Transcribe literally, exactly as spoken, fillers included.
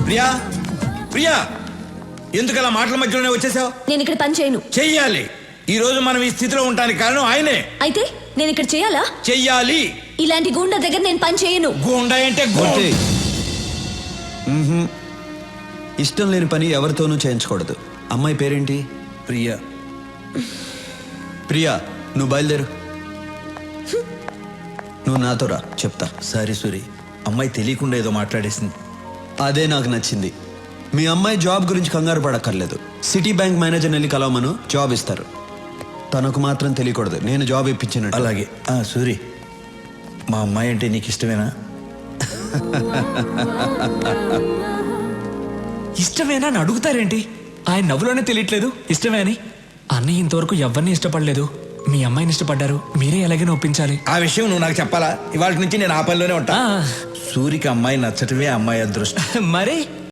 ప్రియా ప్రియా ఎందుకు అలా మాటల మధ్యలోనే వచ్చేసావు? నేను ఇక్కడ పని చేయను. చెయ్యాలి. ఈ రోజు మనం ఈ స్థితిలో ఉండడానికి కారణం ఆయనే. అయితే నేను ఇక్కడ చేయాలా? చెయ్యాలి. ఇలాంటి గూండా దగ్గర నేను పని చేయను. గూండా అంటే ఓకే. మ్మ్హ్మ్. ఇష్టం లేని పని ఎవరితోనూ చేయించకూడదు. అమ్మాయి పేరేంటి? ప్రియా. ప్రియా, నువ్వు బయలుదేరు. నువ్వు నాతో రా, చెప్తా. సారీ సూరి, అమ్మాయి తెలియకుండా ఏదో మాట్లాడేసింది. అదే నాకు నచ్చింది. మీ అమ్మాయి జాబ్ గురించి కంగారు పడక్కర్లేదు. సిటీ బ్యాంక్ మేనేజర్ వెళ్ళి కలవమను, జాబ్ ఇస్తారు. తనకు మాత్రం తెలియకూడదు నేను జాబ్ ఇప్పించినట్టు. అలాగే. ఆ సూరి, మా అమ్మాయి అంటే నీకు ఇష్టమేనా? ఇష్టమేనా అని అడుగుతారేంటి? ఆయన నవ్వులోనే తెలియట్లేదు ఇష్టమే అని. అన్నయ్య ఇంతవరకు ఎవరిని ఇష్టపడలేదు. మీ అమ్మాయిని ఇష్టపడ్డారు, మీరే ఎలాగైనా ఒప్పించాలి. ఆ విషయం నువ్వు నాకు చెప్పాలా? ఇవాళ నుంచి నేను ఆ పనిలోనే ఉంటా. ఆ. సూరికి అమ్మాయి నచ్చటమే అమ్మాయి అదృష్టం. మరి